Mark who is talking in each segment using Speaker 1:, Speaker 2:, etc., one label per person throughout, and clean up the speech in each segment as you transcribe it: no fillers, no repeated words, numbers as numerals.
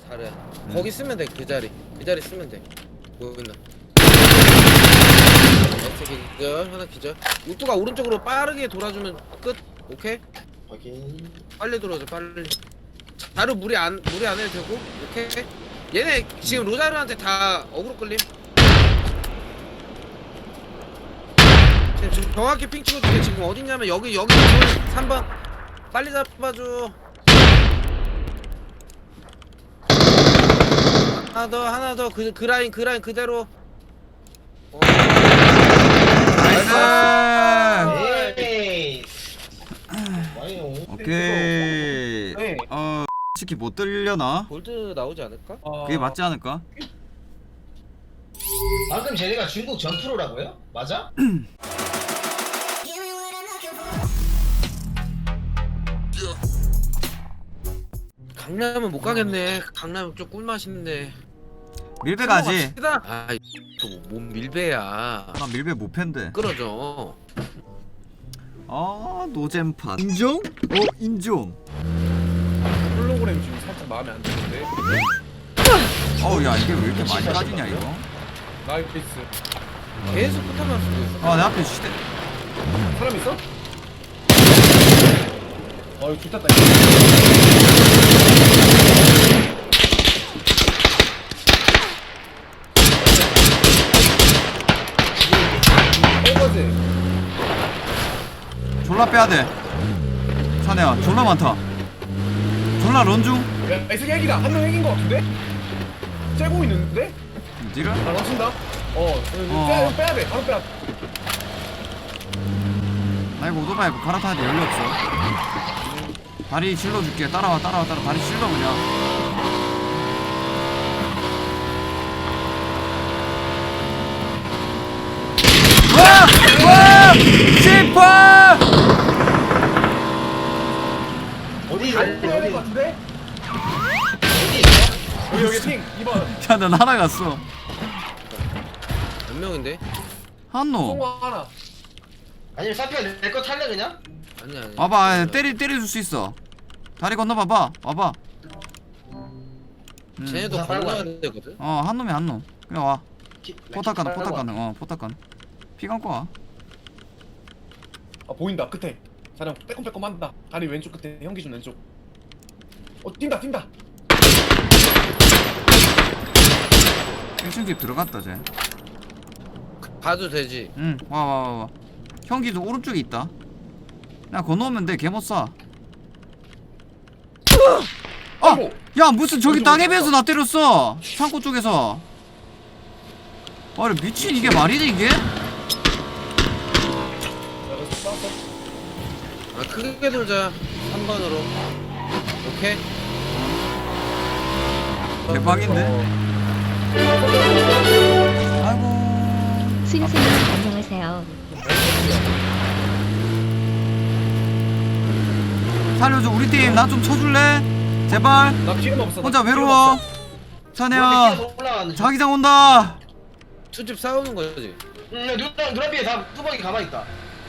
Speaker 1: 잘해. 거기 쓰면 돼. 그 자리 쓰면 돼. 보인다. 기절 하나 기절. 우뚜가 오른쪽으로 빠르게 돌아주면 끝. 오케이.
Speaker 2: 확인.
Speaker 1: 빨리 돌아줘 빨리. 자루 무리 안 해도 되고. 오케이. 얘네 지금 로자르한테 다 어그로 끌림. 지금 정확히 핑 찍어줄게. 지금 어딨냐면 여기 3번 빨리 잡아줘. 하나 더 그 라인 그대로.
Speaker 3: 나이스.
Speaker 2: 에이.
Speaker 3: 오케이.
Speaker 4: 네.
Speaker 3: 솔직히 못 들려나?
Speaker 1: 골드 나오지 않을까?
Speaker 3: 그게 맞지 않을까?
Speaker 2: 방금 쟤네가 중국 전프로라고요? 맞아?
Speaker 1: 강남은 못 가겠네. 강남 좀 꿀맛인데.
Speaker 3: 밀배 가지.
Speaker 1: 또뭔 밀배야.
Speaker 3: 나 밀배 못 팬데.
Speaker 1: 끌어줘.
Speaker 3: 노잼판. 인정? 인정.
Speaker 4: 홀로그램 지금 살짝 마음에 안 드는데.
Speaker 3: 야 이게 왜 이렇게 많이 까지냐 이거?
Speaker 4: 나이스.
Speaker 1: 계속 붙어만 쓰고 있어.
Speaker 3: 내 앞에 시대.
Speaker 4: 사람 있어? 이거 좋겠다. 이거지.
Speaker 3: 졸라 빼야돼. 사내야 졸라 많다. 졸라 런중.
Speaker 4: 야, 이 새끼 핵이다. 한 명 핵인 거 같은데? 째고 있는데?
Speaker 3: 니를?
Speaker 4: 아, 넘친다. 빼야 돼. 바로 빼야 돼.
Speaker 3: 나 이거 오토바이 갈아타야 돼. 연료 없어. 다리 실러줄게. 따라와 다리 실러 그냥. 와! 씨파!
Speaker 2: 어디
Speaker 4: 안 빼야 될것
Speaker 2: 어디
Speaker 4: 같은데? 여기 핑 2번.
Speaker 3: 야, 난 하나 갔어.
Speaker 1: 몇 명인데?
Speaker 3: 한노.
Speaker 4: 송화 하나.
Speaker 2: 아니면 사피가 내 거 탈래 그냥?
Speaker 1: 아니야.
Speaker 3: 와봐, 때려줄 수 있어. 다리 건너 봐봐. 와봐.
Speaker 1: 쟤네도
Speaker 2: 자,
Speaker 1: 건너야
Speaker 2: 빨리
Speaker 1: 되거든.
Speaker 3: 한 놈이 한 놈. 그냥 와. 포탑 가능.
Speaker 2: 빨리 와.
Speaker 3: 포탑 가능. 피 감고 와.
Speaker 4: 보인다 끝에. 사람 빼꼼빼꼼 한다. 다리 왼쪽 끝에 형기준 왼쪽. 뛴다.
Speaker 3: 1층 집 들어갔다 쟤.
Speaker 1: 가도 되지.
Speaker 3: 와. 형기도 오른쪽에 있다. 나 건너오면 돼. 개 못 쏴.
Speaker 4: 아이고.
Speaker 3: 야 무슨 저기 땅에 비해서 나 때렸어. 창고 쪽에서. 아니 미친 이게 말이 돼 이게?
Speaker 1: 크게 돌자. 3번으로. 오케이.
Speaker 3: 대박인데? 아이고.
Speaker 5: 스윙스님 안녕하세요.
Speaker 3: 살려줘 우리 팀 나 좀 쳐줄래? 제발.
Speaker 4: 나 기름 없어.
Speaker 3: 혼자 외로워. 사내야
Speaker 2: 올라가는 중.
Speaker 3: 자기장 온다.
Speaker 1: 투집 싸우는 거지.
Speaker 2: 누나비에 다 뚜벅이 가만히 있다.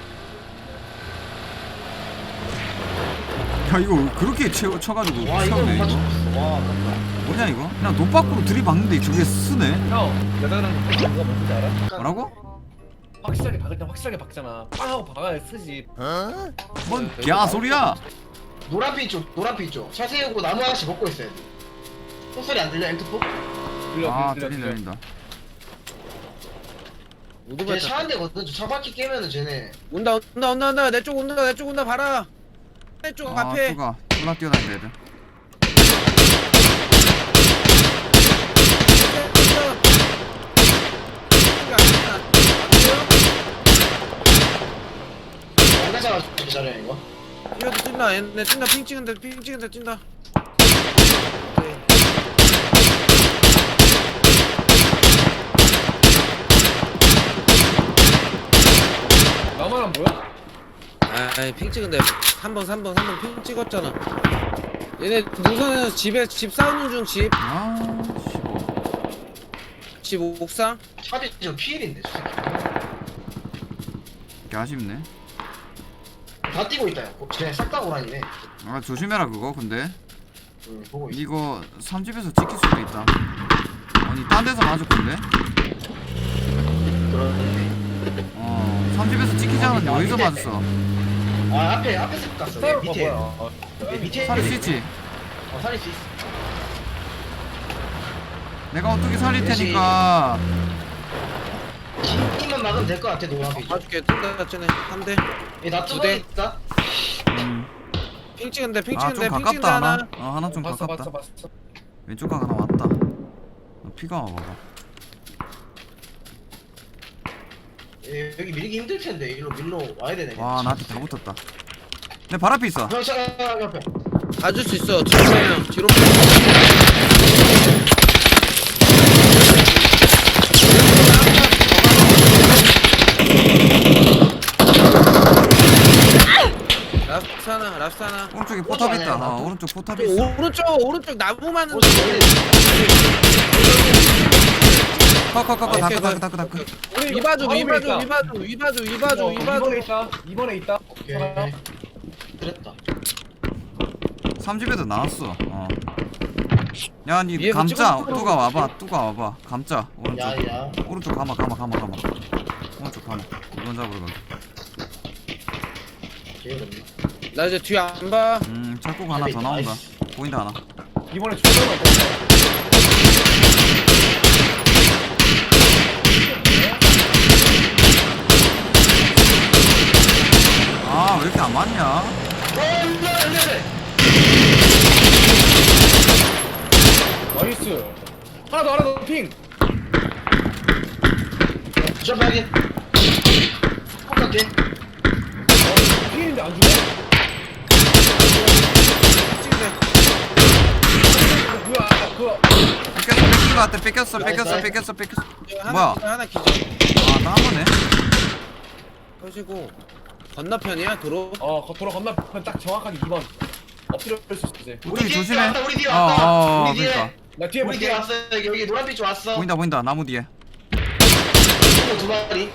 Speaker 3: 야 이거 그렇게 쳐가지고
Speaker 2: 와 이거
Speaker 3: 세우네
Speaker 2: 못
Speaker 3: 이거.
Speaker 2: 맞췄어. 와 아깝다.
Speaker 3: 뭐냐 이거? 그냥 노 밖으로 들이박는데 저게 쓰네.
Speaker 4: 형 여자랑 누가 뭔지 알아?
Speaker 3: 뭐라고?
Speaker 4: 확실하게 박을 때 확실하게 박잖아. 빵 하고 박아야 쓰지.
Speaker 3: 뭔 개소리야?
Speaker 2: 노란빛 쪽. 차 세우고 나무 하나씩 먹고 있어야 돼. 소리 안 들려 M2포?
Speaker 3: 들린다.
Speaker 1: 오토바이
Speaker 2: 걔 차 한 대거든. 저 차 바퀴 깨면은 쟤네.
Speaker 1: 온다. 내 쪽 온다. 봐라. 내 쪽 앞에.
Speaker 3: 뚜가 졸라 뛰어다닌다 애들.
Speaker 2: 안 가잖아 저래 이거.
Speaker 1: 이거 뛴다. 얘네 뛴다. 핑 찍은데 뛴다. 오케이.
Speaker 4: 나만 안 보여?
Speaker 1: 아이 핑 찍은데 3번 핑 찍었잖아. 얘네 노선에서 집 싸우는 중 집. 집 옥상.
Speaker 2: 차비 저 피일인데 저 새끼.
Speaker 3: 개 아쉽네.
Speaker 2: 다 뛰고 있다. 쟤네 싹 다 고라니네.
Speaker 3: 조심해라 그거 근데.
Speaker 2: 응, 보고 있어.
Speaker 3: 이거 3집에서 찍힐 수도 있다. 아니 딴 데서 맞을 건데?
Speaker 2: 그러네.
Speaker 3: 3집에서 찍히지 않았는데 어디서 맞았어?
Speaker 2: 아, 앞에서 갔어. 내 밑에. 내 밑에.
Speaker 3: 살릴 수 있지?
Speaker 2: 살릴 수 있어.
Speaker 3: 내가 어떻게 살릴
Speaker 2: 역시.
Speaker 3: 테니까.
Speaker 2: 힘만 막으면 될 것 같아, 노란 핑.
Speaker 1: 봐줄게. 뜬다 쟤네. 3대.
Speaker 2: 나
Speaker 1: 두
Speaker 2: 뚜껑
Speaker 1: 대.
Speaker 2: 있다.
Speaker 1: 핑 찍은데 핑
Speaker 3: 아
Speaker 1: 찍은데
Speaker 3: 좀
Speaker 1: 핑 찍은데
Speaker 3: 가깝다
Speaker 1: 하나.
Speaker 3: 하나. 하나 좀
Speaker 4: 봤어
Speaker 3: 가깝다.
Speaker 4: 봤어 봤어.
Speaker 3: 왼쪽 각 하나 왔다. 피가 와봐봐.
Speaker 2: 여기 밀기 힘들 텐데, 밀로 와야 되네.
Speaker 3: 와 나한테 다 붙었다. 내 발 앞에 있어.
Speaker 2: 형, 옆에.
Speaker 1: 봐줄 수 있어. 뒤로 그냥 뒤로. 랍스타나 랍스타나.
Speaker 3: 오른쪽에 포탑 있다.
Speaker 2: 아니야,
Speaker 3: 오른쪽 포탑 있어.
Speaker 1: 오른쪽 나무 많은.
Speaker 3: 커커커커
Speaker 1: 오케이,
Speaker 3: 다크
Speaker 1: 오케이.
Speaker 3: 다크 다크.
Speaker 4: 우리
Speaker 1: 위바주
Speaker 4: 바로
Speaker 1: 위바주
Speaker 4: 있다.
Speaker 1: 위바주 위바주 위바주 위바주.
Speaker 4: 2번에 있다. 2번에 있다.
Speaker 2: 오케이. 그랬다.
Speaker 3: 3집에도 나왔어. 야, 니
Speaker 1: 위에
Speaker 3: 감자.
Speaker 1: 붙이고
Speaker 3: 뚜가 와봐. 뚜가 와봐. 감자. 오른쪽.
Speaker 2: 야야.
Speaker 3: 오른쪽 가마. 오른쪽 가마. 이건 잡으러 가게.
Speaker 2: 개어렵네.
Speaker 1: 나 이제 뒤 안 봐.
Speaker 3: 착곡 하나 더 나온다. 보인다 하나.
Speaker 4: 2번에 조정만 더.
Speaker 3: 아, 왜 이렇게 안 맞냐?
Speaker 4: 나이스. 하나 더 핑.
Speaker 2: 점프하게. 똑같게.
Speaker 4: 핑인데 안 죽어?
Speaker 1: 찍네.
Speaker 4: 뭐야 그거.
Speaker 3: 뺏긴 거 같아. 뺏겼어. 뭐야?
Speaker 1: 하나 기절.
Speaker 3: 아, 나 한 번에.
Speaker 1: 펴시고 건너편이야 도로.
Speaker 4: 도로 건너편 딱 정확하게 2번. 엎드려 있을 수 있지.
Speaker 3: 우리
Speaker 2: 뒤에
Speaker 3: 조심해.
Speaker 2: 왔다, 우리 뒤에 왔다. 우리 뒤에.
Speaker 3: 그러니까.
Speaker 4: 나 뒤에
Speaker 2: 우리 뒤에
Speaker 4: 볼게.
Speaker 2: 왔어. 여기 노란빛 좀 왔어.
Speaker 3: 보인다. 나무 뒤에.
Speaker 2: 두 마리.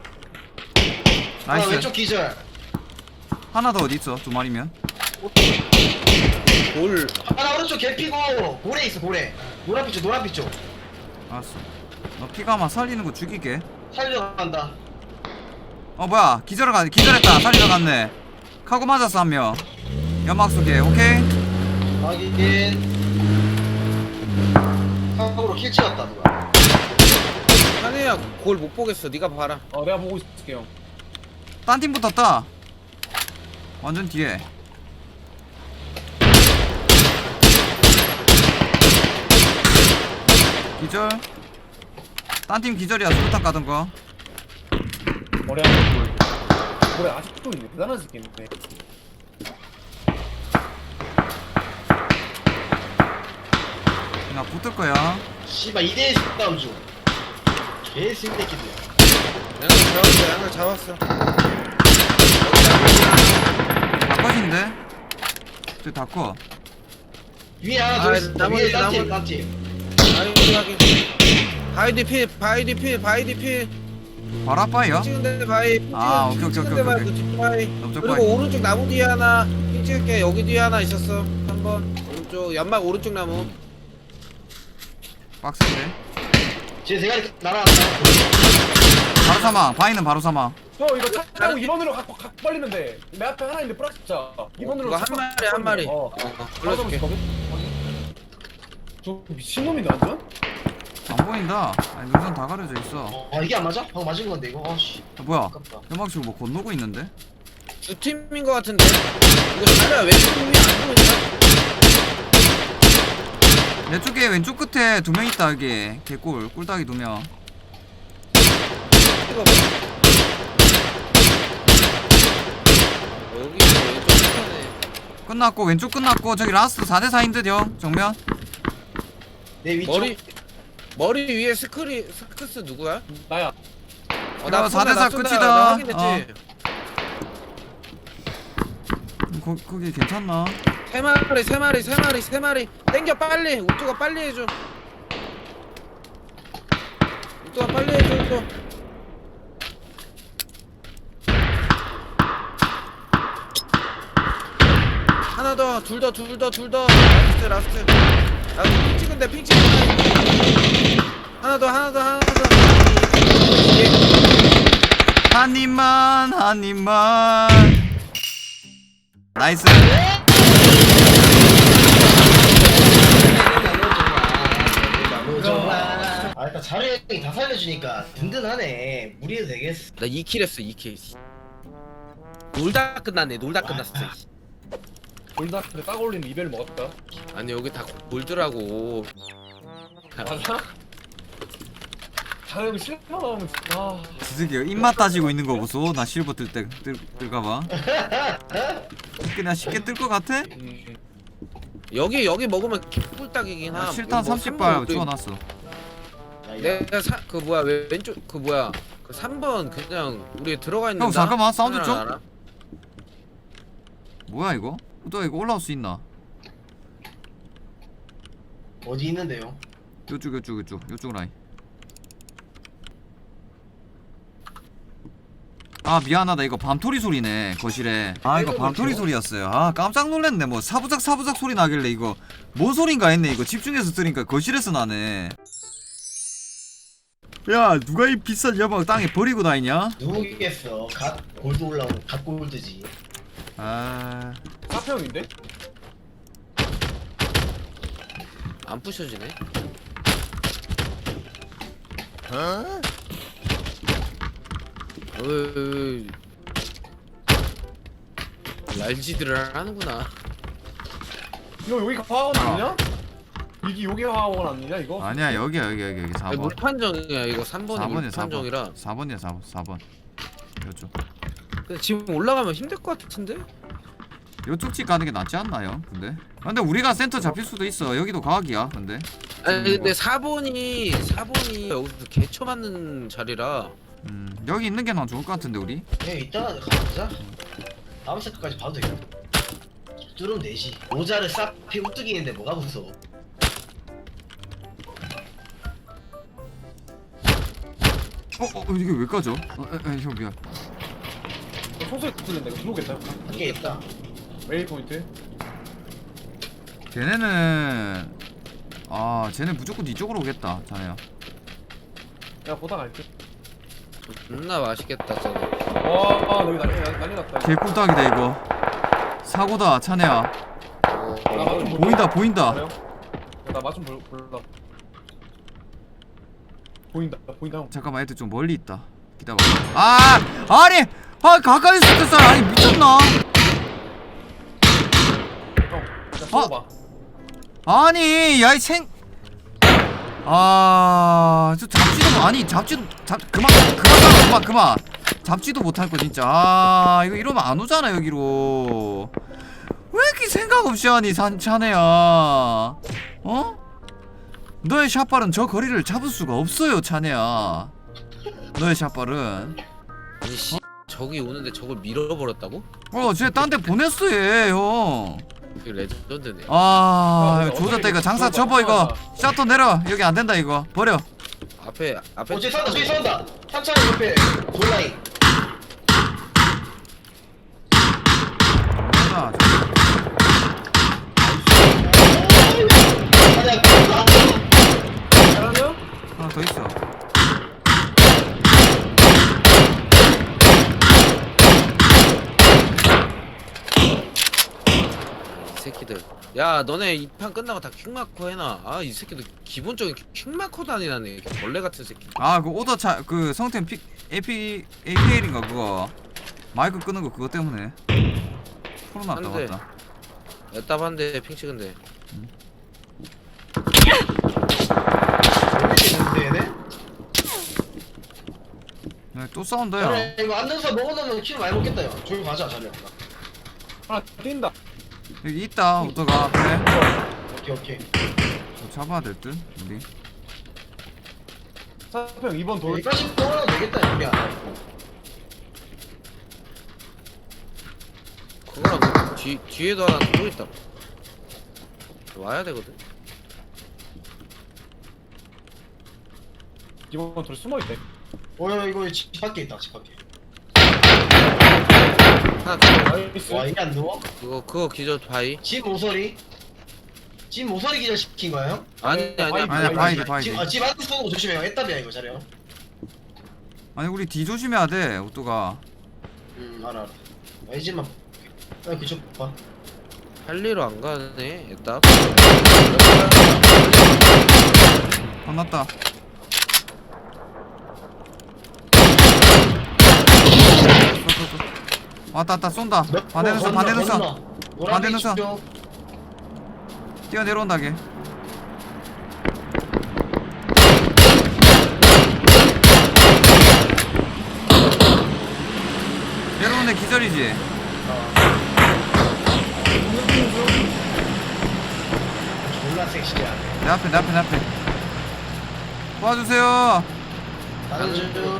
Speaker 3: 나이스.
Speaker 2: 왼쪽 기절.
Speaker 3: 하나 더 어디 있어? 두 마리면.
Speaker 1: 볼.
Speaker 2: 하나 오른쪽 개피고 고래 있어 고래. 노란빛 쪽.
Speaker 3: 알았어. 너 피가 아마 살리는 거 죽이게.
Speaker 2: 살려간다.
Speaker 3: 뭐야? 기절했다. 살리러 갔네. 카고 맞았어 한 명. 연막 속에. 오케이.
Speaker 2: 확인. 한국으로 킬 찍었다 누가.
Speaker 1: 한혜야 골 못 보겠어. 네가 봐라.
Speaker 4: 내가 보고 있을게 형.
Speaker 3: 딴 팀 붙었다. 완전 뒤에. 기절. 딴 팀 기절이야. 수류탄 까던 거.
Speaker 4: 머리 한번 돌. 그래 아직도 있네. 대단한 새끼네.
Speaker 3: 나 붙을 거야.
Speaker 2: 씨발 2대1 싸움 중. 개새끼들.
Speaker 1: 양을 잡았어.
Speaker 3: 다컷인데? 저 다컷.
Speaker 2: 위에 하나 더
Speaker 1: 아,
Speaker 2: 있어.
Speaker 1: 나머지,
Speaker 2: 위에 딴팀
Speaker 1: 나머지.
Speaker 2: 딴팀.
Speaker 1: 바이디 필.
Speaker 3: 바로 앞바이야?
Speaker 1: 찍은데 바이.
Speaker 3: 아, 오케이.
Speaker 1: 찍은데 바이. 그쪽 바이.
Speaker 3: 넓적
Speaker 1: 그리고
Speaker 3: 바이.
Speaker 1: 오른쪽 나무 뒤에 하나. 핑 찍을게. 여기 뒤에 하나 있었어. 3번. 오른쪽 연막 오른쪽 나무.
Speaker 3: 빡센데?
Speaker 2: 제 대가리 날아갔다.
Speaker 3: 바로 사망. 바이는 바로 사망.
Speaker 4: 형 이거 차 타고 2번으로 갖고 벌리면 돼. 내 앞에 하나 있는데 뿌락 진짜. 2번으로
Speaker 1: 이거 한 마리. 불러줄게.
Speaker 4: 저 미친놈이네 완전?
Speaker 3: 안 보인다. 아니, 눈선 다 가려져 있어.
Speaker 2: 이게 안 맞아? 방금 맞은 건데 이거. 아씨.
Speaker 3: 뭐야?
Speaker 2: 아깝다.
Speaker 3: 연막 치고 뭐 건너고 있는데?
Speaker 1: 두 팀인 것 같은데. 이거 자리야 왼쪽 팀이 안 보이냐?
Speaker 3: 내 쪽에 왼쪽 끝에 2명 있다 여기. 개꿀. 꿀딱이 2명.
Speaker 1: 찍어봐. 여기 왼쪽 편에.
Speaker 3: 끝났고 왼쪽 끝났고 저기 라스트 4대4인 듯 형. 정면.
Speaker 2: 내 위쪽.
Speaker 1: 머리 위에 스크스 누구야?
Speaker 4: 나야.
Speaker 3: 야, 4대4 끝이다.
Speaker 1: 나 확인했지.
Speaker 3: 거기 괜찮나?
Speaker 1: 세 마리. 땡겨 빨리. 우뚜가 빨리 해줘. 우뚜가 빨리 해줘. 하나 하나 더, 둘 더. 라스트. 아, 핑 찍은데, 하나 더.
Speaker 3: 한 입만 나이스.
Speaker 2: 아 일단 자리 형이 다 살려주니까 든든하네. 무리해도 되겠어.
Speaker 1: 나 2킬 했어, 2킬. 놀다 끝났네. 끝났어.
Speaker 4: 골다크를 딱 올리는 이벨 먹었다.
Speaker 1: 아니, 여기 다 골드라고.
Speaker 4: 맞아? 자영이 실패 나오면 아.
Speaker 3: 지새끼 입맛 따지고 있는 거 보소. 나 실버 뜰까봐. 그냥 쉽게 뜰 것 같아?
Speaker 1: 여기 먹으면 꿀딱이긴 함.
Speaker 3: 실탄
Speaker 1: 뭐
Speaker 3: 30발 주워놨어.
Speaker 1: 내가 그 뭐야, 왼쪽 그 뭐야, 그 3번 그냥 우리 들어가 있는.
Speaker 3: 형 잠깐만 사운드 좀.
Speaker 1: 알아?
Speaker 3: 뭐야 이거? 또 이거 올라올 수 있나?
Speaker 2: 어디 있는데요?
Speaker 3: 요쪽 라인. 아 미안하다 이거 밤토리 소리네 거실에. 아 이거 밤토리 소리였어요. 아 깜짝 놀랐네. 뭐 사부작 소리 나길래 이거 뭔 소린가 했네. 이거 집중해서 들으니까 거실에서 나네. 야 누가 이 비싼 여방 땅에 버리고 다니냐?
Speaker 2: 누구겠어? 갓 골드 올라온 갓 골드지.
Speaker 3: 아
Speaker 4: 사평인데?
Speaker 1: 안 부셔지네. 어이, 랄지들을 하는구나.
Speaker 4: 너 여기 화원 아니냐? 이게 여기 화원 아니냐 이거?
Speaker 3: 아니야 여기
Speaker 1: 아니,
Speaker 3: 4번.
Speaker 1: 물판정이야. 이거 3번이
Speaker 3: 4번이야
Speaker 1: 물판정이라.
Speaker 3: 4번이야 4번. 요쪽.
Speaker 1: 근데 지금 올라가면 힘들 것 같은데?
Speaker 3: 요쪽 집 가는 게 낫지 않나요? 근데 우리가 센터 잡힐 수도 있어. 여기도 과학이야. 근데
Speaker 1: 아니 근데 4번이 여기서 개쳐 맞는 자리라.
Speaker 3: 여기 있는 게 난 좋을 것 같은데 우리.
Speaker 2: 그냥 이따가 가보자. 다음 세트까지 봐도 되겠다. 뚫으면 되지. 모자를 싹 피고 뚝이는데 뭐가 무서워.
Speaker 3: 이게 왜 까져? 형 미안.
Speaker 4: 소소에 들린다. 이거 들어오겠다.
Speaker 2: 밖에 있다.
Speaker 4: 웨이 포인트.
Speaker 3: 쟤네는 쟤네 무조건 이쪽으로 오겠다. 자네야.
Speaker 4: 내가 보다 갈게.
Speaker 1: 존나 맛있겠다 저거.
Speaker 4: 와, 여기 난리 났다.
Speaker 3: 개꿀딱이다 이거. 사고다 자네야.
Speaker 4: 나 맛 좀
Speaker 3: 보인다.
Speaker 4: 나 맛 좀 볼라. 보인다 형.
Speaker 3: 잠깐만 애들 좀 멀리 있다. 기다려. 아니 가까이 있을 때 아니 미쳤나?
Speaker 4: 형, 나 쏘봐.
Speaker 3: 아니 야이 생. 저 잡지도 아니 잡지도 그만 잡지도 못할 거 진짜. 이거 이러면 안 오잖아 여기로. 왜 이렇게 생각 없이 하니 자네야? 너의 샷발은 저 거리를 잡을 수가 없어요 자네야. 너의 샷발은
Speaker 1: 아니 씨, 저기 오는데 저걸 밀어버렸다고?
Speaker 3: 쟤 딴 데 보냈어 얘 형.
Speaker 1: 그 레전드네.
Speaker 3: 조졌다 이거. 장사 접어 이거. 셔터 내려. 여기 안 된다 이거. 버려.
Speaker 1: 앞에
Speaker 2: 저기 쏜다. 3차원 옆에 골라인.
Speaker 3: 맞아.
Speaker 4: 잘하냐?
Speaker 3: 하나 더 있어.
Speaker 1: 이 새끼들. 야 너네 이 판 끝나고 다 퀵마커 해놔. 이 새끼들 기본적인 퀵마커도 아니라네. 벌레 같은 새끼.
Speaker 3: 그 오더 그 성템 APL인가 그거. 마이크 끄는 거 그거 때문에. 풀어놨다
Speaker 1: 안 돼.
Speaker 3: 맞다.
Speaker 1: 애답한데 핑 찍은데.
Speaker 2: 있는데 얘네?
Speaker 3: 또 싸운다 야.
Speaker 2: 이거 앉아서 먹어놓으면 킬 많이 먹겠다 야. 저기 가자 자네.
Speaker 4: 하나 뛴다.
Speaker 3: 여기 있다 오더가. 그래.
Speaker 2: 오케이.
Speaker 3: 잡아야 될 듯 우리.
Speaker 4: 사평 2번 돌.
Speaker 2: 여기까지 먹어도 되겠다 여기 안.
Speaker 1: 그거랑 그 뒤에도 하나 또 있다. 와야 되거든.
Speaker 4: 2번 돌 숨어 있대.
Speaker 2: 이거 집 밖에 있다 집 밖에.
Speaker 1: 하나 더.
Speaker 4: 나이스.
Speaker 2: 와 이게 안 누워?
Speaker 1: 그거 기절 바이.
Speaker 2: 집 모서리? 집 모서리 기절 시킨 거야 형?
Speaker 1: 아니 아니야.
Speaker 3: 아니야, 바이디.
Speaker 2: 집 안에 쏘는 거 조심해요. 애답이야 이거 잘해요.
Speaker 3: 아니 우리 뒤 조심해야 돼 오뚜가.
Speaker 2: 알아. 이 집만 볼게. 그쪽 봐.
Speaker 1: 할리로 안 가네. 일단.
Speaker 3: 혼났다. 왔다 쏜다. 반대로 쏴 반대로 쏴. 반대로 쏴. 뛰어 내려온다 걔. 내려오는 애 기절이지.
Speaker 2: 졸라 섹시야.
Speaker 3: 내 앞에. 도와주세요.
Speaker 2: 다른 중.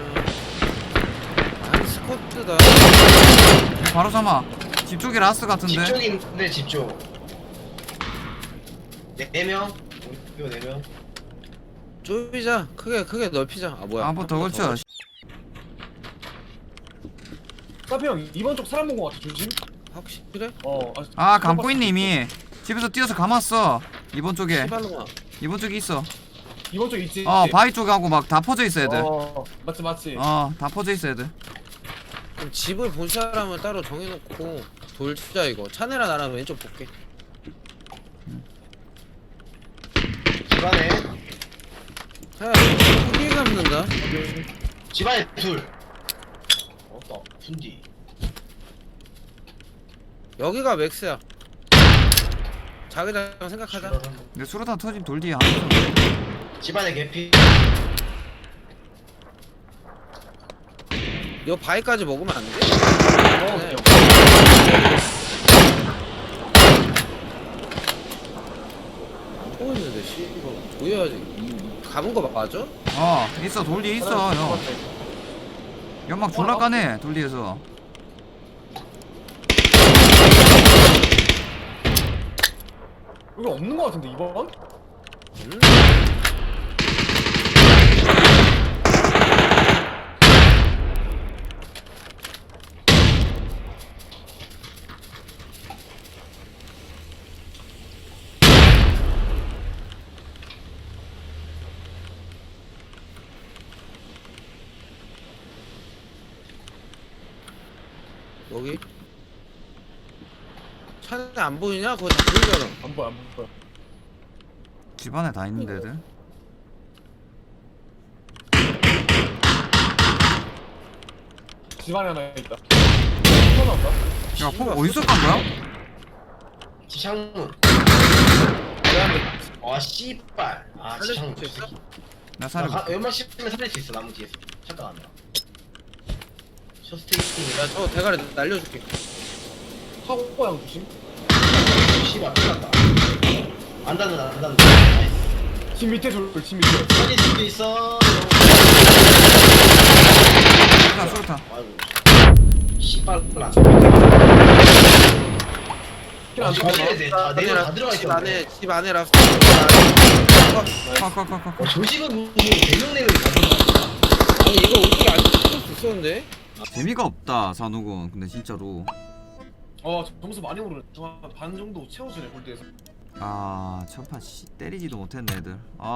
Speaker 1: 한 스쿼트다.
Speaker 3: 바로 삼아. 집 쪽에 라스 같은데.
Speaker 2: 집 쪽인데 집 쪽. 네 명. 이거 4명.
Speaker 1: 좁히자. 크게 넓히자. 아 뭐야?
Speaker 3: 한 번 더 걸쳐.
Speaker 4: 사피 형 이번 쪽 사람 본 거 같아. 조심.
Speaker 1: 확실해?
Speaker 3: 아 감고 있네 이미. 집에서 뛰어서 감았어. 이번 쪽에.
Speaker 1: 시발로마.
Speaker 3: 이번 쪽에 있어.
Speaker 4: 이번 쪽 있지.
Speaker 3: 바위 쪽에 하고 막 다 퍼져 있어 애들.
Speaker 4: 맞지.
Speaker 3: 다 퍼져 있어 애들.
Speaker 1: 그럼 집을 본 사람을 따로 정해놓고 돌자 이거. 차내랑 나랑 왼쪽 볼게.
Speaker 2: 집안에.
Speaker 1: 야, 크게 감는다.
Speaker 2: 집안에 둘. 없다. 분디.
Speaker 1: 여기가 맥스야. 자기장 생각하자.
Speaker 3: 근데 수로탄 터짐 돌 뒤에
Speaker 2: 집안에 개피.
Speaker 1: 요 바위까지 먹으면 안 돼? 네. 안 보이는데 씨 이거 보여야지. 감은 거 맞아?
Speaker 3: 있어 돌 뒤에 있어 형. 연막 졸라 까네 돌 뒤에서.
Speaker 4: 여기 없는 거 같은데 이번?
Speaker 1: 음. 여기 차는 안 보이냐? 그거 다 보이잖아.
Speaker 4: 안 보여.
Speaker 3: 집안에 다 있는데 애들.
Speaker 4: 집안에 하나 있다. 하나 없다.
Speaker 3: 야폭 어디서 깐 거야?
Speaker 2: 집 창문. 와 씨발. 아 집
Speaker 1: 살릴
Speaker 2: 창문.
Speaker 1: 수 있어?
Speaker 3: 나 살려.
Speaker 2: 연막 씹으면 살릴 수 있어 나무 뒤에서. 잠깐 안 나. 쇼스테이킹.
Speaker 1: 야 저 대가리 날려줄게.
Speaker 4: 사고 양 조심.
Speaker 2: 씨발 끝났다. 안 닿는다.
Speaker 4: 집 밑에 집 밑에.
Speaker 2: 살릴 수도 있어.
Speaker 3: 수로탄.
Speaker 2: 아이고. 씨발 나.
Speaker 4: 킬안
Speaker 2: 조심해야 돼. 내가 다 들어가
Speaker 1: 집
Speaker 2: 있어.
Speaker 1: 안에 집 안에 라스.
Speaker 3: 컷.
Speaker 2: 조식은 무슨 4명 가져가.
Speaker 1: 아니 이거 어떻게 안 찍을 수 있었는데?
Speaker 3: 재미가 없다 산옥은. 근데 진짜로.
Speaker 4: 점수 많이 오르네. 반 정도 채워주네 골드에서.
Speaker 3: 첫판 때리지도 못했네 애들.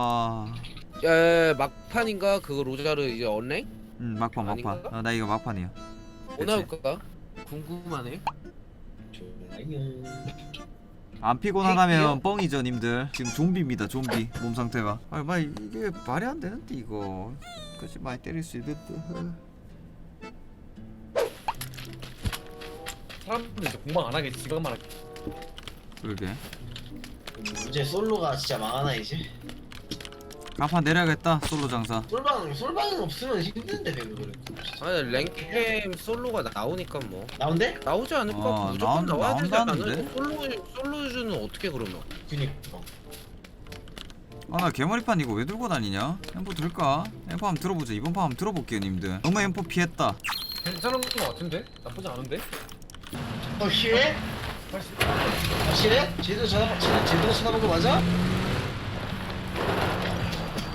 Speaker 1: 야 막판인가 그거 로자르 이제 언랭?
Speaker 3: 막판.
Speaker 1: 아닌가?
Speaker 3: 나 이거 막판이야.
Speaker 1: 뭐 나올까? 궁금하네.
Speaker 3: 안 피곤하다면 뻥이죠 님들. 지금 좀비입니다 좀비 몸 상태가. 말 이게 말이 안 되는데 이거. 그치 많이 때릴 수 있는데.
Speaker 4: 사람들 이제 공방 안 하겠지. 지금만 하겠지.
Speaker 3: 그러게.
Speaker 2: 이제 솔로가 진짜 망하나 이제.
Speaker 3: 간판 내려야겠다 솔로 장사.
Speaker 2: 솔방은 없으면 힘든데 배우들.
Speaker 1: 아니 랭캠 솔로가 나오니까 뭐
Speaker 2: 나온대?
Speaker 1: 나오지 않을까? 무조건 나와야 되지
Speaker 3: 나온다는데?
Speaker 1: 않나? 솔로주는 어떻게 그러면?
Speaker 2: 그니까.
Speaker 3: 나 개머리판 이거 왜 들고 다니냐? 엠포 들까? 엠포 한번 들어보자. 이번 판 한번 들어볼게요 님들. 너무 엠포 피했다.
Speaker 4: 괜찮은 거 같은데? 나쁘지 않은데?
Speaker 2: 확실해? 확실해? 제대로 쳐다본 거 맞아?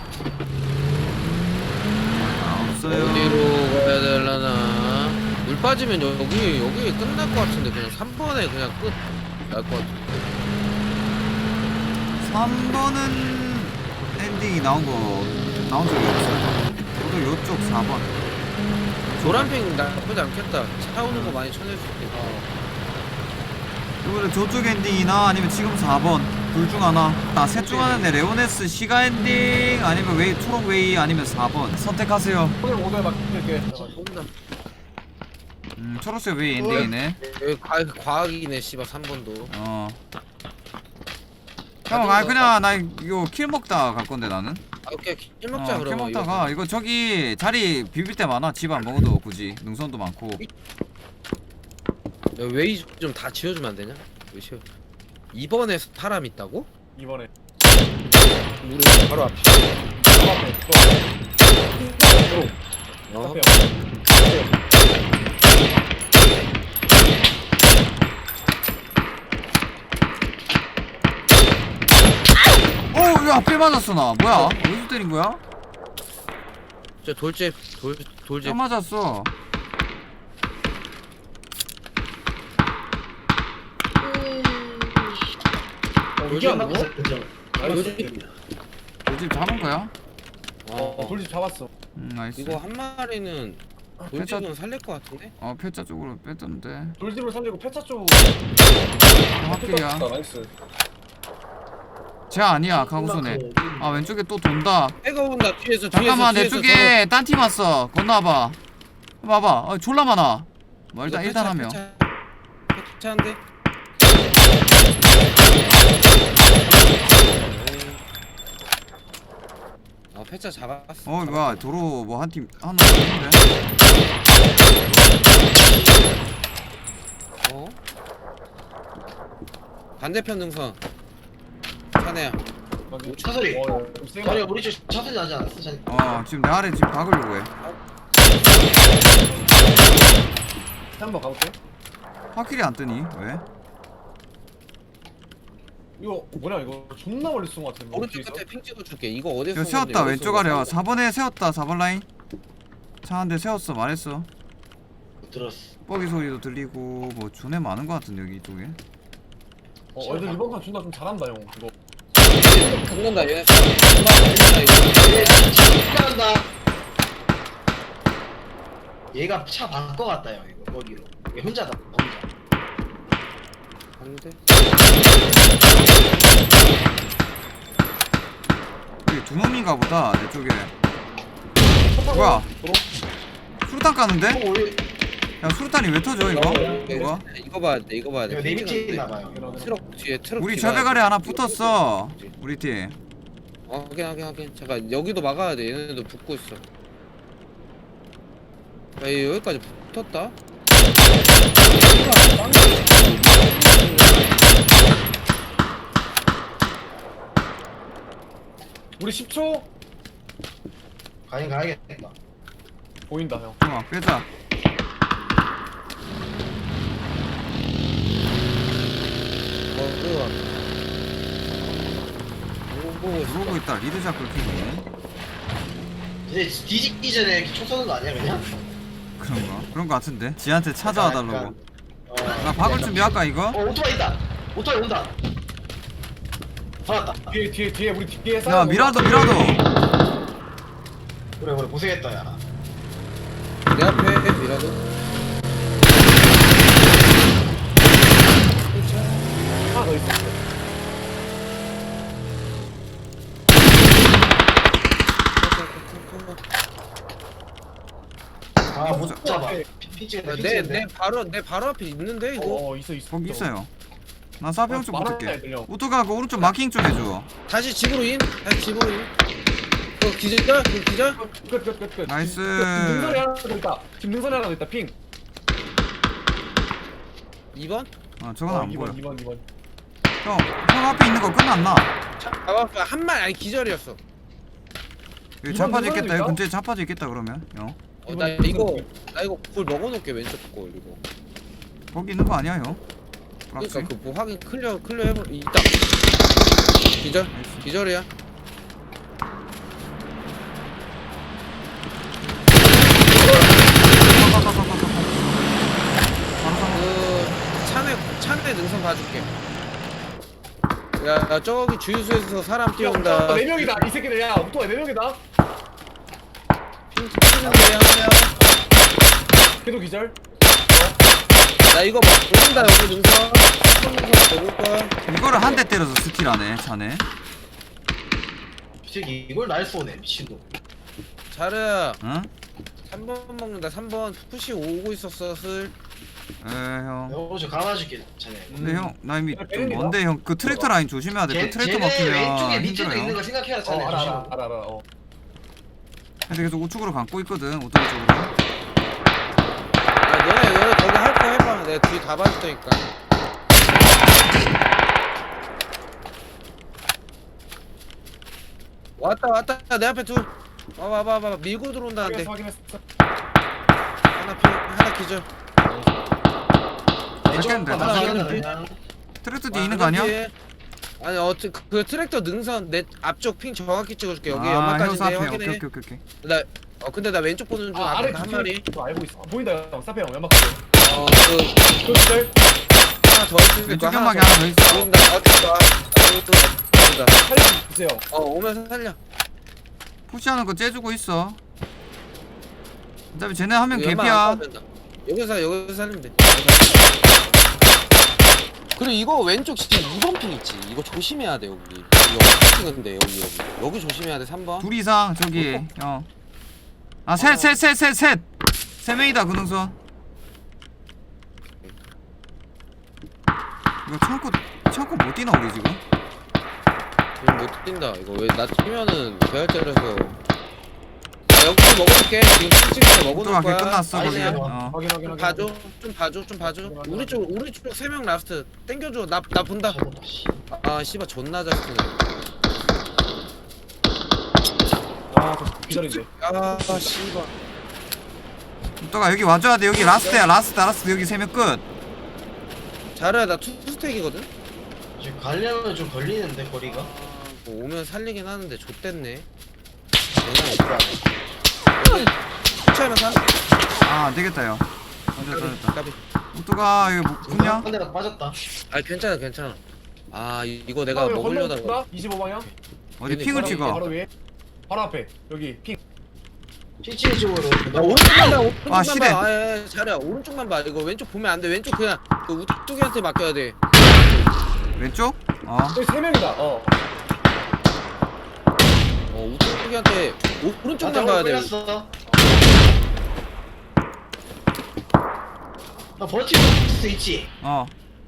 Speaker 3: 없어요.
Speaker 1: 어디로 가야 되려나? 물빨 맞으면 여기 끝날 것 같은데 그냥 3번에 그냥 끝 날 것 같은데.
Speaker 3: 3번은 엔딩이 나온 적이 없어요. 저도 요쪽 4번.
Speaker 1: 노란핑 나쁘지 않겠다. 차 오는 거 많이 쳐낼 수 있겠다.
Speaker 3: 이번에 저쪽 엔딩이나 아니면 지금 4번 둘 중 하나. 셋 중 하나인데 레오네스 시가 엔딩 아니면 웨이 초록 웨이 아니면 4번 선택하세요.
Speaker 4: 오늘 오늘 맡길게.
Speaker 1: 쏜다.
Speaker 3: 초록색 웨이 엔딩이네.
Speaker 1: 여기 과학이네 씨발 3번도.
Speaker 3: 형, 그냥 나 이거 킬 먹다 갈 건데 나는.
Speaker 1: 오케이 킬 먹자
Speaker 3: 킬
Speaker 1: 그러면.
Speaker 3: 먹다가 이거 저기 자리 비빌 때 많아. 집 안 먹어도 굳이 능선도 많고.
Speaker 1: 야, 웨이 좀 다 지워주면 안 되냐? 왜 지워? 2번에 사람 있다고?
Speaker 4: 이번에.
Speaker 1: 우리 바로 앞에.
Speaker 4: 앞에.
Speaker 1: 어?
Speaker 4: 앞에.
Speaker 3: 왜 앞에 맞았어 나. 뭐야? 어디서 때린 거야?
Speaker 1: 저 돌집.
Speaker 3: 딱 맞았어.
Speaker 4: 이게 안 나고?
Speaker 3: 집 잡은 거야?
Speaker 4: 돌집 잡았어.
Speaker 3: 나이스.
Speaker 1: 이거 한 마리는 돌집은 살릴 것 같은데?
Speaker 3: 폐차 쪽으로 뺐던데.
Speaker 4: 돌집을 살리고 폐차 쪽.
Speaker 3: 확실이야.
Speaker 4: 나이스.
Speaker 3: 쟤 아니야 가구손에. 왼쪽에 또 돈다.
Speaker 1: 애가 온다 뒤에서.
Speaker 3: 잠깐만 내
Speaker 1: 뒤에서
Speaker 3: 쪽에 딴 팀 왔어. 건너와봐. 봐봐. 졸라 많아. 뭐 일단 하면.
Speaker 1: 패차한데? 패차 잡았어.
Speaker 3: 뭐야 도로 뭐 한 팀 하나 있는데.
Speaker 1: 반대편 능선. 차네야.
Speaker 2: 차소리.
Speaker 4: 세
Speaker 2: 자리 우리 쪽 차소리 나지 않았어? 자리.
Speaker 3: 지금 내 아래 집 박으려고 해.
Speaker 4: 한번 가볼게.
Speaker 3: 확실히 안 뜨니? 왜?
Speaker 4: 이거 뭐냐 이거 존나 멀리 쏜 것 같은데.
Speaker 1: 오른쪽 끝에 핑 찍어줄게. 이거 어디서
Speaker 3: 이거 세웠다 왼쪽 아래 4번에 세웠다 4번 라인. 차 한 대 세웠어 말했어.
Speaker 2: 못 들었어.
Speaker 3: 뻐기 소리도 들리고 뭐 존에 많은 것 같은데 여기 이쪽에.
Speaker 4: 애들 이번 판 존나 좀 잘한다 형. 이거.
Speaker 1: 죽는다 얘네. 죽는다 이거.
Speaker 2: 한다. 얘가 차 바꿔갔다 형 이거 거기로. 얘 혼자다 혼자.
Speaker 1: 안돼.
Speaker 3: 여기 두 놈인가 보다 내 쪽에. 뭐야? 수류탄 까는데?
Speaker 2: 우리
Speaker 3: 야 수류탄이 왜 터져 이거? 뭐가?
Speaker 1: 이거 봐야 돼. 이거 봐야 돼.
Speaker 2: 이거 내 밑에 있나봐요.
Speaker 1: 트럭 뒤에 트럭.
Speaker 3: 우리
Speaker 1: 뒤가
Speaker 3: 절벽아래 하나 붙었어. 우리 팀.
Speaker 1: 확인. 잠깐 여기도 막아야 돼. 얘네도 붙고 있어. 야 얘 여기까지 붙었다.
Speaker 4: 우리 10초
Speaker 2: 가야겠다.
Speaker 4: 보인다 형.
Speaker 3: 빼자. 그러고 있다. 리드 잡고 키네.
Speaker 2: 이제 뒤집기 전에 이렇게 총 쏘는 거 아니야 그냥?
Speaker 3: 그런 거 같은데. 지한테 찾아와 달라고.
Speaker 2: 약간,
Speaker 3: 나 박을 준비할까 이거?
Speaker 2: 오토바이 있다. 오토바이 온다. 살았다.
Speaker 4: 뒤에 우리 뒤에
Speaker 3: 야
Speaker 4: 싸우는
Speaker 3: 미라도.
Speaker 2: 그래 고생했다 야.
Speaker 1: 내 앞에 미라도.
Speaker 4: 하나 더 있어.
Speaker 2: 못 잡아. 핀치겠다.
Speaker 1: 내 바로 앞에 있는데 이거.
Speaker 4: 있어.
Speaker 3: 거기 있어요. 나 사병 쪽
Speaker 4: 많아,
Speaker 3: 붙을게.
Speaker 4: 애들 형.
Speaker 3: 오토가 그 오른쪽 마킹 좀 해줘.
Speaker 1: 다시 집으로 인. 기절.
Speaker 4: 끝.
Speaker 3: 나이스.
Speaker 4: 지금 능선에 하나 더 있다. 지금 능선에 하나 더 있다. 핑.
Speaker 1: 2번?
Speaker 3: 저건 안 보여.
Speaker 4: 2번.
Speaker 3: 형 앞에 있는 거 끝났나?
Speaker 1: 잡았어. 한말 아니 기절이었어.
Speaker 3: 여기
Speaker 4: 이번
Speaker 3: 자파져 있겠다.
Speaker 4: 능선일까?
Speaker 3: 여기 근처에 자파져 있겠다 그러면. 형.
Speaker 1: 나 이거 골 먹어놓을게 왼쪽 골 이거.
Speaker 3: 거기 있는 거 아니야 형?
Speaker 1: 그러니까 그 뭐 확인 클리어 해보. 있다. 기절이야. 3번에 능선 봐줄게. 야 저기 주유소에서 사람 뛰어온다.
Speaker 4: 4명이다 이 새끼들. 야 오토바이 4명이다.
Speaker 1: 핑 찍는데 하냐?
Speaker 4: 걔도 기절.
Speaker 1: 나 이거 모른다 여기 능선. 3번 능선 먹을 거야.
Speaker 3: 이거를 한 대 때려서 스킬하네 자네.
Speaker 2: 이 새끼 이걸 날 쏘네 미친놈.
Speaker 1: 자르야
Speaker 3: 응?
Speaker 1: 3번 먹는다. 3번 푸시 오고 있었어 슬.
Speaker 3: 형.
Speaker 2: 형, 저 감아줄게 자네.
Speaker 3: 근데 형 나 이미 좀
Speaker 4: 때립니다.
Speaker 3: 먼데 형 그 트랙터 라인 조심해야 돼. 그 트랙터
Speaker 2: 쟤네 왼쪽에
Speaker 3: 막히면
Speaker 2: 밑에도 있는
Speaker 3: 힘들어요.
Speaker 2: 거 생각해라 자네.
Speaker 4: 알아
Speaker 2: 조심.
Speaker 4: 알아.
Speaker 3: 근데 계속 우측으로 감고 있거든. 오토바이 쪽으로.
Speaker 1: 야 너네 거기 할 거 해봐. 내가 뒤 다 봐줄 테니까. 왔다 내 앞에 둘. 와봐 밀고 들어온다는데.
Speaker 4: 확인했어.
Speaker 1: 하나 기절.
Speaker 3: 왼쪽
Speaker 2: 왼쪽
Speaker 3: 하나
Speaker 2: 하나
Speaker 1: 뒤에.
Speaker 2: 그냥
Speaker 3: 트랙터 뒤에 있는 거 아니야?
Speaker 1: 뒤에. 아니 그 트랙터 능선 내 앞쪽 핑 정확히 찍어줄게. 여기
Speaker 3: 형
Speaker 1: 연막까지 내
Speaker 3: 사페.
Speaker 1: 확인해.
Speaker 3: 오케이.
Speaker 1: 근데 나 왼쪽 보는 중
Speaker 4: 아래
Speaker 1: 앞에 한 마리.
Speaker 4: 그거 알고 있어. 보인다 형. 사페 형 연막.
Speaker 1: 그
Speaker 4: 그 기절.
Speaker 1: 하나 더 있을
Speaker 3: 왼쪽
Speaker 1: 거야.
Speaker 3: 연막에 하나 더 있어.
Speaker 1: 보인다. 보인다.
Speaker 4: 살려주세요.
Speaker 1: 오면서 살려.
Speaker 3: 푸시하는 거 째주고 있어. 어차피 쟤네 하면
Speaker 1: 연막 안
Speaker 3: 개피야.
Speaker 1: 까도 된다. 여기서 살리면 돼. 그리고 이거 왼쪽 진짜 2번 핑 있지. 이거 조심해야 돼 여기. 여기 찍은데 여기 조심해야 돼 3번.
Speaker 3: 둘 이상 저기 형. 셋. 세 명이다 그 능선. 이거 창고 못 뛰나 우리 지금?
Speaker 1: 지금 못 뛴다. 이거 왜 나 뛰면은 배열자라서. 여기 먹어줄게. 지금 찍을 때 먹어놓을
Speaker 3: 또
Speaker 1: 거야.
Speaker 3: 끝났어 거기.
Speaker 2: 아니야.
Speaker 4: 확인.
Speaker 1: 봐줘. 좀 봐줘. 우리 쪽 3명 라스트 땡겨줘. 나 본다.
Speaker 2: 저거다, 씨.
Speaker 1: 아 씨발 존나 잘 쓰네.
Speaker 4: 아저 기절인데.
Speaker 1: 아 씨발.
Speaker 3: 또가 여기 와줘야 돼. 여기 라스트야. 라스트 여기 세 명 끝.
Speaker 1: 잘해. 나 투스택이거든.
Speaker 2: 지금 가려면 좀 걸리는데 거리가.
Speaker 1: 뭐 오면 살리긴 하는데 좆됐네. 추천하면 사.
Speaker 3: 안 되겠다 요. 됐다.
Speaker 1: 까비.
Speaker 3: 또가 여기 뭐 붙냐?
Speaker 2: 한 대가 빠졌다.
Speaker 1: 아 괜찮아. 아 이거 내가 먹으려다가.
Speaker 4: 25방향.
Speaker 3: 어디 핑을 찍어?
Speaker 4: 바로 위에. 바로 앞에. 여기 핑.
Speaker 2: 찌찌 쪽으로.
Speaker 1: 나 오른쪽만 봐. 오른쪽만
Speaker 3: 아, 시대.
Speaker 1: 봐. 아, 잘해. 오른쪽만 봐. 이거 왼쪽 보면 안 돼. 왼쪽 그냥 그 우뚝이한테 맡겨야 돼.
Speaker 3: 왼쪽?
Speaker 4: 여기 3명이다.
Speaker 1: 우뚝이한테 오른쪽만 봐야 돼.
Speaker 2: 끌렸어. 나 버티고 있을 수 있지.
Speaker 3: 나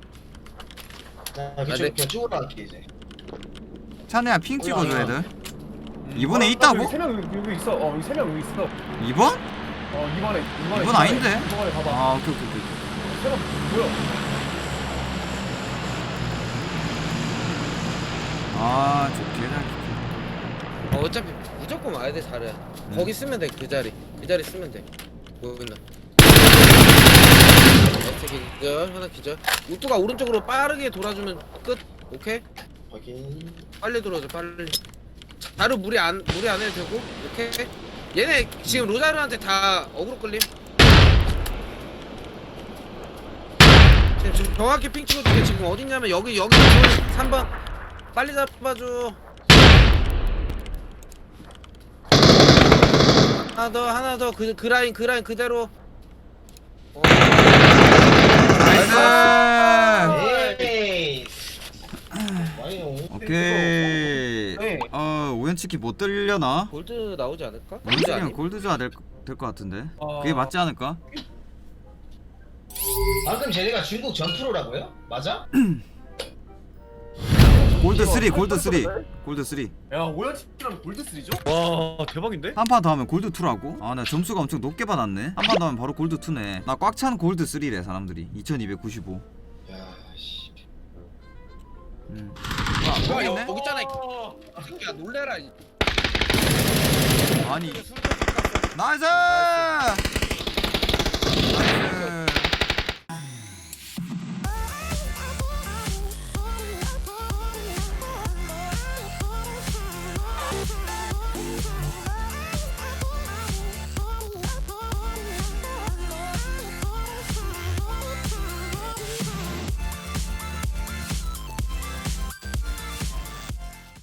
Speaker 2: 그쪽
Speaker 1: 네.
Speaker 2: 그냥 쭉 올라갈게 이제.
Speaker 3: 차내야 핑 찍어줘 애들. 이번에 있다고?
Speaker 4: 여기 3명 여기 있어. 여기 3명 여기 있어.
Speaker 3: 2번?
Speaker 4: 이번에
Speaker 3: 이번 아닌데?
Speaker 4: 이번에 봐봐.
Speaker 3: 오케이.
Speaker 4: 3명 뭐야?
Speaker 3: 저 개잘.
Speaker 1: 어차피 무조건 와야 돼. 잘해. 거기 쓰면 돼. 그 자리 쓰면 돼. 보인다. 기절 하나 기절. 우뚝아 오른쪽으로 빠르게 돌아주면 끝. 오케이.
Speaker 2: 확인.
Speaker 1: 빨리 들어오자 빨리. 자루 무리 안 해도 되고. 오케이. 얘네 지금 로자르한테 다 어그로 끌림. 지금 정확히 핑 찍어줄게. 지금 어딨냐면 여기 3번 빨리 잡아줘. 하나 더 그 라인 그대로.
Speaker 3: 나이스.
Speaker 2: 에이. 와요.
Speaker 3: 오케이.
Speaker 4: 네.
Speaker 3: 우연치키 못 들려나?
Speaker 1: 골드 나오지 않을까?
Speaker 3: 우연치키는 골드 줘야 될 것 같은데. 그게 맞지 않을까?
Speaker 2: 방금 쟤네가 중국 전프로라고요? 맞아?
Speaker 3: 골드 3.
Speaker 4: 야 오연치랑 골드 3죠?
Speaker 5: 와 대박인데?
Speaker 3: 한 판 더 하면 골드 2라고? 나 점수가 엄청 높게 받았네. 한 판 더 하면 바로 골드 2네. 나 꽉 찬 골드 3래 사람들이. 2295.
Speaker 2: 야 씨.
Speaker 1: 여기 있잖아. 이 새끼야 놀래라.
Speaker 3: 아니. 나이스! 나이스!